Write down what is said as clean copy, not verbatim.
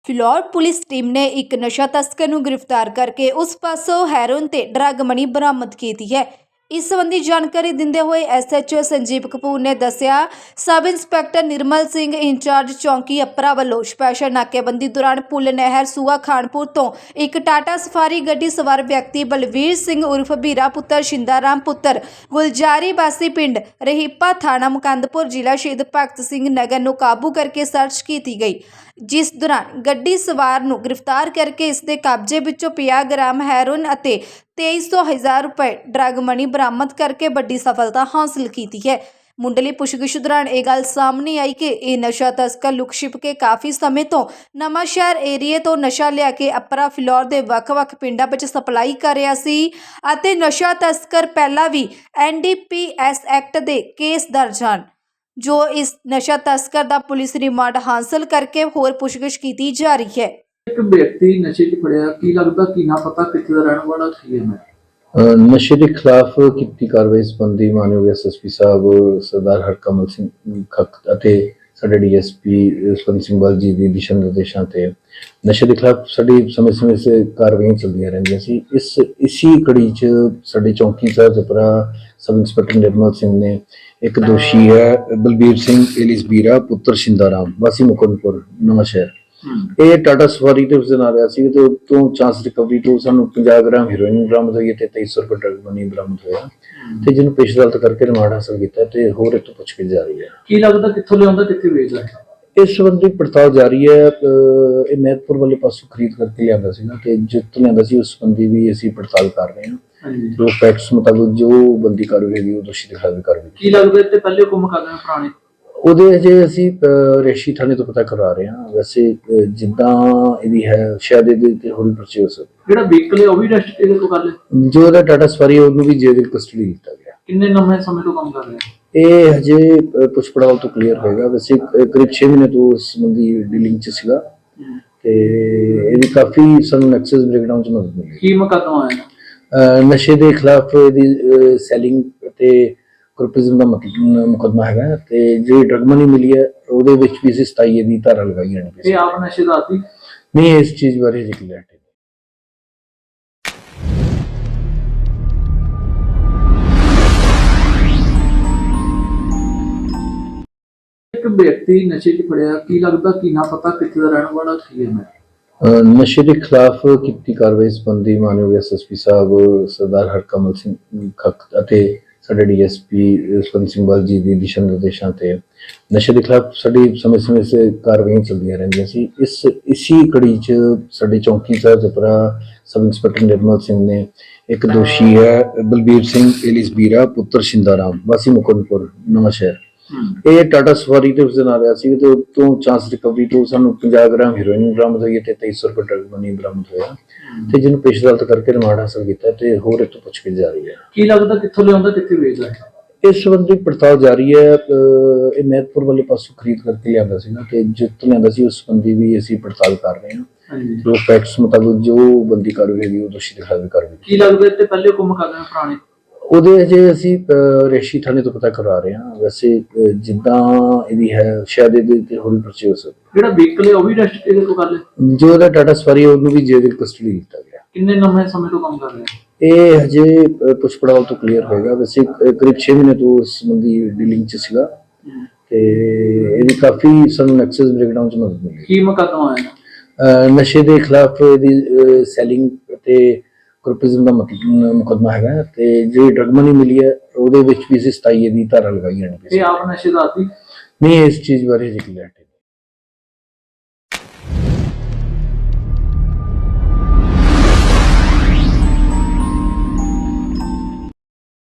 Phillaur police team ਨੇ ਇੱਕ ਨਸ਼ਾ ਤਸਕਰ ਨੂੰ ਗ੍ਰਿਫਤਾਰ ਕਰਕੇ ਉਸ ਪਾਸੋਂ ਹੈਰੋਇਨ ਤੇ ਡਰੱਗ ਮਨੀ ਬਰਾਮਦ ਕੀਤੀ ਹੈ। ਇਸ ਸੰਬੰਧੀ ਜਾਣਕਾਰੀ ਦਿੰਦੇ ਹੋਏ ਐਸਐਚਓ ਸੰਜੀਵ ਕਪੂਰ ਨੇ ਦੱਸਿਆ, sub inspector Nirmal Singh incharge ਚੌਂਕੀ ਅਪਰਾ ਵੱਲੋਂ ਸਪੈਸ਼ਲ ਨਾਕੇਬੰਦੀ ਦੌਰਾਨ ਪੁੱਲ ਨਹਿਰ ਸੂਆ ਖਾਨਪੁਰ ਤੋਂ ਇੱਕ ਟਾਟਾ ਸਫਾਰੀ ਗੱਡੀ ਸਵਾਰ ਵਿਅਕਤੀ ਬਲਵੀਰ ਸਿੰਘ ਉਰਫ ਬੀਰਾ ਪੁੱਤਰ ਸ਼ਿੰਦਾਰਾਮ ਪੁੱਤਰ ਗੁਲਜਾਰੀ ਬਾਸੀ ਪਿੰਡ ਰਹੀਪਾ ਥਾਣਾ ਮੁਕੰਦਪੁਰ ਜ਼ਿਲ੍ਹਾ ਸ਼ਹੀਦ ਭਗਤ ਸਿੰਘ ਨਗਰ ਨੂੰ ਕਾਬੂ ਕਰਕੇ ਸਰਚ ਕੀਤੀ ਗਈ, ਜਿਸ ਦੌਰਾਨ ਗੱਡੀ ਸਵਾਰ ਨੂੰ ਗ੍ਰਿਫਤਾਰ ਕਰਕੇ ਇਸ ਦੇ ਕਬਜ਼ੇ ਵਿੱਚੋਂ 50 ਗ੍ਰਾਮ ਹੈਰੋਇਨ ਅਤੇ 2300 ਰੁਪਏ ਡਰੱਗ ਮਨੀ ਬਰਾਮਦ ਕਰਕੇ ਵੱਡੀ ਸਫਲਤਾ ਹਾਸਲ ਕੀਤੀ ਹੈ। ਮੁੰਡਲੀ ਪੁੱਛਗਿੱਛ ਦੌਰਾਨ ਇਹ ਗੱਲ ਸਾਹਮਣੇ ਆਈ ਕਿ ਇਹ ਨਸ਼ਾ ਤਸਕਰ ਲੁਕ ਛਿਪ ਕੇ ਕਾਫੀ ਸਮੇਂ ਤੋਂ ਨਵਾਂ ਸ਼ਹਿਰ ਏਰੀਏ ਤੋਂ ਨਸ਼ਾ ਲਿਆ ਕੇ ਅਪਰਾ ਫਿਲੌਰ ਦੇ ਵੱਖ-ਵੱਖ ਪਿੰਡਾਂ ਵਿੱਚ ਸਪਲਾਈ ਕਰ ਰਿਹਾ ਸੀ ਅਤੇ ਨਸ਼ਾ ਤਸਕਰ ਪਹਿਲਾਂ ਵੀ NDPS ਐਕਟ ਦੇ ਕੇਸ ਦਰਜ ਹਨ, ਜੋ ਇਸ ਨਸ਼ਾ ਤਸਕਰ ਦਾ ਪੁਲਿਸ ਰਿਮਾਂਡ ਹਾਸਲ ਕਰਕੇ ਹੋਰ ਪੁੱਛਗਿੱਛ ਕੀਤੀ ਜਾ ਰਹੀ ਹੈ। ਇੱਕ ਵਿਅਕਤੀ ਨਸ਼ੇ 'ਚ ਫੜਿਆ, ਕੀ ਲੱਗਦਾ ਕੀ ਨਾ ਪਤਾ ਕਿੱਥੇ ਦਾ ਰਹਿਣ ਵਾਲਾ ਕੀ ਹੈ? ਨਸ਼ੇ ਦੇ ਖਿਲਾਫ ਕੀਤੀ ਕਾਰਵਾਈ ਸੰਬੰਧੀ ਮਾਨਯੋਗ ਐਸਐਸਪੀ ਸਾਹਿਬ ਸਰਦਾਰ ਹਰਕਮਲ ਸਿੰਘ ਖੱਕ ਅਤੇ ਸਾਡੇ ਡੀਐਸਪੀ ਜਸਵੰਤ ਸਿੰਘ ਬਲ ਜੀ ਦੀ ਦਿਸ਼ਾ ਨਿਰਦੇਸ਼ਾਂ ਤੇ ਨਸ਼ੇ ਦੇ ਖਿਲਾਫ ਸਾਡੀ ਸਮੇਂ-ਸਮੇਂ ਸੇ ਕਾਰਵਾਈਆਂ ਚੱਲਦੀਆਂ ਰਹਿੰਦੀਆਂ ਸੀ। ਇਸੀ ਕੜੀ 'ਚ ਸਾਡੇ ਚੌਂਕੀ ਸਾਹਿਬ ਜਪਰਾ ਸਬ ਇੰਸਪੈਕਟਰ ਨਿਰਮਲ ਸਿੰਘ ਨੇ ਇੱਕ ਦੋਸ਼ੀ ਹੈ ਬਲਬੀਰ ਸਿੰਘ ਏਲੀਸ ਬੀਰਾ ਪੁੱਤਰ ਸ਼ਿੰਦਾਰਾਮ ਵਾਸੀ ਮੁਕੰਦਪੁਰ ਨਵਾਂ ਸ਼ਹਿਰ, ਇਹ ਟਾਟਾ ਸਫਾਰੀ ਤੇ ਉਸ ਦਿਨ ਆ ਰਿਹਾ ਸੀ ਤੇ ਉਤੋਂ ਚਾਂਸ ਰਿਕਵਰੀ ਤੋਂ ਸਾਨੂੰ 50 ਗ੍ਰਾਮ ਹੈਰੋਇਨ ਬਰਾਮਦ ਹੋਈ ਤੇ 2300 ਰੁਪਏ ਡਰਗ ਮਨੀ ਬਰਾਮਦ ਹੋਇਆ ਤੇ ਜਿਹਨੂੰ ਪੇਸ਼ ਅਦਾਲਤ ਕਰਕੇ ਰਿਮਾਂਡ ਹਾਸਲ ਕੀਤਾ ਤੇ ਹੋਰ ਇਹ ਤੋਂ ਪੁੱਛਗਿੱਛ ਜਾਰੀ ਹੈ। ਕੀ ਲੱਗਦਾ ਕਿੱਥੋਂ ਲਿਆਉਂਦਾ, ਕਿੱਥੇ ਵੇਚਦਾ? ਇਸ ਸੰਬੰਧੀ ਪੜਤਾਲ ਜਾਰੀ ਹੈ। ਇਹ ਮਹਿਤਪੁਰ ਵਾਲੇ ਪਾਸੋਂ ਖਰੀਦ ਕਰਕੇ ਲਿਆਂਦਾ ਸੀ ਤੇ ਜਿੱਥੋਂ ਲਿਆਂਦਾ ਸੀ ਉਸ ਸੰਬੰਧੀ ਵੀ ਅਸੀਂ ਪੜਤਾਲ ਕਰ ਰਹੇ ਹਾਂ। ਜੋ ਫੈਕਟਸ ਮੁਤਾਬਕ ਜੋ ਬੰਦੀ ਕਾਰਵਾਈ ਹੈਗੀ ਉਹ ਦੋਸ਼ੀ ਦੇ ਖਿਲਾਫ ਵੀ ਕਾਰਵਾਈ। ਕੀ ਲੱਗਦਾ ਇੱਥੇ ਪਹਿਲੇ ਹੁਕਮ ਕਰਦੇ ਨੇ ਪੁਰਾਣੇ? ਉਹਦੇ ਅਜੇ ਅਸੀਂ ਰੇਸ਼ੀ ਥਾਣੇ ਤੋਂ ਪਤਾ ਕਰਵਾ ਰਹੇ ਹਾਂ। ਵੈਸੇ ਜਿੱਦਾਂ ਇਹਦੀ ਹੈ ਸ਼ਾਇਦ ਇਹਦੇ ਤੇ ਹੋਰ ਵੀ ਪਰਚੇ ਹੋ ਸਕਦੇ। ਜਿਹੜਾ ਵਹੀਕਲ ਹੈ ਉਹ ਵੀ ਅਰੈਸਟ ਕਿਹਦੇ ਤੋਂ ਕਰ ਲਿਆ? ਜੋ ਇਹਦਾ ਟਾਟਾ ਸਫਾਰੀ ਉਹਨੂੰ ਵੀ ਜੇਲ੍ਹ ਦੀ ਕਸਟਡੀ ਦਿੱਤਾ ਗਿਆ। ਕਿੰਨੇ ਲੰਮੇ ਸਮੇਂ ਤੋਂ ਕੰਮ ਕਰ ਰਿਹਾ? ਇਹ ਹਜੇ ਪੁੱਛ ਪੜਤਾਲ ਤੋਂ ਕਲੀਅਰ ਹੋਏਗਾ। ਵੈਸੇ ਕਰੀਬ 6 ਮਹੀਨੇ ਤੋਂ ਇਸ ਸੰਬੰਧੀ ਡੀਲਿੰਗ 'ਚ ਸੀਗਾ ਤੇ ਇਹਦੀ ਕਾਫੀ ਸਾਨੂੰ ਨੈਕਸਸ ਬ੍ਰੇਕਡਾਊਨ 'ਚ ਮਦਦ ਮਿਲੀ। ਕੀ ਮੁਕੱਦਮਾ ਆਇਆ? ਨਸ਼ੇ ਦੇ ਖਿਲਾਫ ਇਹਦੀ ਸੈਲਿੰਗ ਤੇ ਕਰਪਿਜ਼ਮ ਦਾ ਮੁਕੱਦਮਾ ਹੈਗਾ ਤੇ ਜਿਹੜੀ ਡਰਗ ਮਨੀ ਮਿਲੀ ਹੈ ਉਹਦੇ ਵਿੱਚ ਵੀ ਅਸੀਂ 27 ਦੀ ਧਾਰਾ ਲਗਾਈ ਹੈ। ਇਹ ਆਪ ਨਸ਼ੇ ਦਾ ਆਦੀ ਨਹੀਂ, ਇਸ ਚੀਜ਼ ਬਾਰੇ ਹਜੇ ਕਲੀਅਰ ਨਹੀਂ। ਇੱਕ ਵਿਅਕਤੀ ਨਸ਼ੇ 'ਚ ਫੜਿਆ, ਕੀ ਲੱਗਦਾ ਕੀ ਨਾ ਪਤਾ ਕਿੱਥੇ ਦਾ ਰਹਿਣ ਵਾਲਾ ਕੀ ਹੈ? ਨਸ਼ੇ ਦੇ ਖਿਲਾਫ ਕੀਤੀ ਕਾਰਵਾਈ ਸੰਬੰਧੀ ਮਾਨਯੋਗ ਐਸਐਸਪੀ ਸਾਹਿਬ ਸਰਦਾਰ ਹਰਕਮਲ ਸਿੰਘ ਖੱਕ ਅਤੇ ਸਾਡੇ ਡੀਐਸਪੀ ਜਸਵੰਤ ਸਿੰਘ ਬਲ ਜੀ ਦੀ ਦਿਸ਼ਾ ਨਿਰਦੇਸ਼ਾਂ ਤੇ ਨਸ਼ੇ ਦੇ ਖਿਲਾਫ ਸਾਡੀ ਸਮੇਂ-ਸਮੇਂ ਸੇ ਕਾਰਵਾਈਆਂ ਚੱਲਦੀਆਂ ਰਹਿੰਦੀਆਂ ਸੀ। ਇਸੀ ਕੜੀ 'ਚ ਸਾਡੇ ਚੌਂਕੀ ਸਾਹਿਬ ਜਪਰਾ ਸਬ ਇੰਸਪੈਕਟਰ ਨਿਰਮਲ ਸਿੰਘ ਨੇ ਇੱਕ ਦੋਸ਼ੀ ਹੈ ਬਲਬੀਰ ਸਿੰਘ ਏਲੀਸ ਬੀਰਾ ਪੁੱਤਰ ਸ਼ਿੰਦਾਰਾਮ ਵਾਸੀ ਮੁਕੰਦਪੁਰ ਨਵਾਂ ਸ਼ਹਿਰ, ਇਹ ਟਾਟਾ ਸਫਾਰੀ ਤੇ ਉਸ ਦਿਨ ਆ ਰਿਹਾ ਸੀ ਤੇ ਉਤੋਂ ਚਾਂਸ ਰਿਕਵਰੀ ਤੋਂ ਸਾਨੂੰ 50 ਗ੍ਰਾਮ ਹੈਰੋਇਨ ਬਰਾਮਦ ਹੋਈ ਤੇ 2300 ਰੁਪਏ ਡਰਗ ਮਨੀ ਬਰਾਮਦ ਹੋਇਆ ਤੇ ਜਿਹਨੂੰ ਪੇਸ਼ ਅਦਾਲਤ ਕਰਕੇ ਰਿਮਾਂਡ ਹਾਸਲ ਕੀਤਾ ਤੇ ਹੋਰ ਇਹ ਤੋਂ ਪੁੱਛਗਿੱਛ ਜਾਰੀ ਹੈ। ਕੀ ਲੱਗਦਾ ਕਿੱਥੋਂ ਲਿਆਉਂਦਾ, ਕਿੱਥੇ ਵੇਚਦਾ? ਇਸ ਸੰਬੰਧੀ ਪੜਤਾਲ ਜਾਰੀ ਹੈ। ਇਹ ਮਹਿਤਪੁਰ ਵਾਲੇ ਪਾਸੋਂ ਖਰੀਦ ਕਰਕੇ ਲਿਆਂਦਾ ਸੀ ਤੇ ਜਿੱਥੋਂ ਲਿਆਂਦਾ ਸੀ ਉਸ ਸੰਬੰਧੀ ਵੀ ਅਸੀਂ ਪੜਤਾਲ ਕਰ ਰਹੇ ਹਾਂ। ਜੋ ਫੈਕਟਸ ਮੁਤਾਬਕ ਜੋ ਬੰਦੀ ਕਾਰਵਾਈ ਹੈਗੀ ਉਹ ਦੋਸ਼ੀ ਦੇ ਖਿਲਾਫ ਵੀ ਕਾਰਵਾਈ। ਕੀ ਲੱਗਦਾ ਇੱਥੇ ਪਹਿਲੇ ਹੁਕਮ ਕਰਦੇ ਨੇ ਪੁਰਾਣੇ? ਉਹਦੇ ਅਜੇ ਅਸੀਂ ਰੇਸ਼ੀ ਥਾਣੇ ਤੋਂ ਪਤਾ ਕਰਵਾ ਰਹੇ ਹਾਂ। ਵੈਸੇ ਜਿੱਦਾਂ ਇਹਦੀ ਹੈ ਸ਼ਾਇਦ ਇਹਦੇ ਤੇ ਹੋਰ ਵੀ ਪਰਚੇ ਹੋ ਸਕਦੇ। ਜਿਹੜਾ ਵਹੀਕਲ ਹੈ ਉਹ ਵੀ ਅਰੈਸਟ ਕਿਹਦੇ ਤੋਂ ਕਰ ਲਿਆ? ਜੋ ਇਹਦਾ ਟਾਟਾ ਸਫਾਰੀ ਉਹਨੂੰ ਵੀ ਜੇਲ੍ਹ ਦੀ ਕਸਟਡੀ ਦਿੱਤਾ ਗਿਆ। ਕਿੰਨੇ ਲੰਮੇ ਸਮੇਂ ਤੋਂ ਕੰਮ ਕਰ ਰਿਹਾ? ਇਹ ਹਜੇ ਪੁੱਛ ਪੜਤਾਲ ਤੋਂ ਕਲੀਅਰ ਹੋਏਗਾ। ਵੈਸੇ ਕਰੀਬ 6 ਮਹੀਨੇ ਤੋਂ ਇਸ ਸੰਬੰਧੀ ਡੀਲਿੰਗ 'ਚ ਸੀਗਾ ਤੇ ਇਹਦੀ ਕਾਫੀ ਸਾਨੂੰ ਨੈਕਸਸ ਬ੍ਰੇਕਡਾਊਨ 'ਚ ਮਦਦ ਮਿਲੀ। ਕੀ ਮੁਕੱਦਮਾ ਆਇਆ? ਨਸ਼ੇ ਦੇ ਖਿਲਾਫ ਇਹਦੀ ਸੈਲਿੰਗ ਤੇ ਕਰਪਿਜ਼ਮ ਦਾ ਮੁਕੱਦਮਾ ਹੈਗਾ ਤੇ ਜਿਹੜੀ ਡਰਗ ਮਨੀ ਮਿਲੀ ਹੈ ਉਹਦੇ ਵਿੱਚ ਵੀ ਅਸੀਂ 27 ਦੀ ਧਾਰਾ ਲਗਾਈ ਹੈ। ਇਹ ਆਪ ਨਸ਼ੇ ਦਾ ਆਦੀ ਨਹੀਂ, ਇਸ ਚੀਜ਼ ਬਾਰੇ ਹਜੇ ਕਲੀਅਰ ਨਹੀਂ।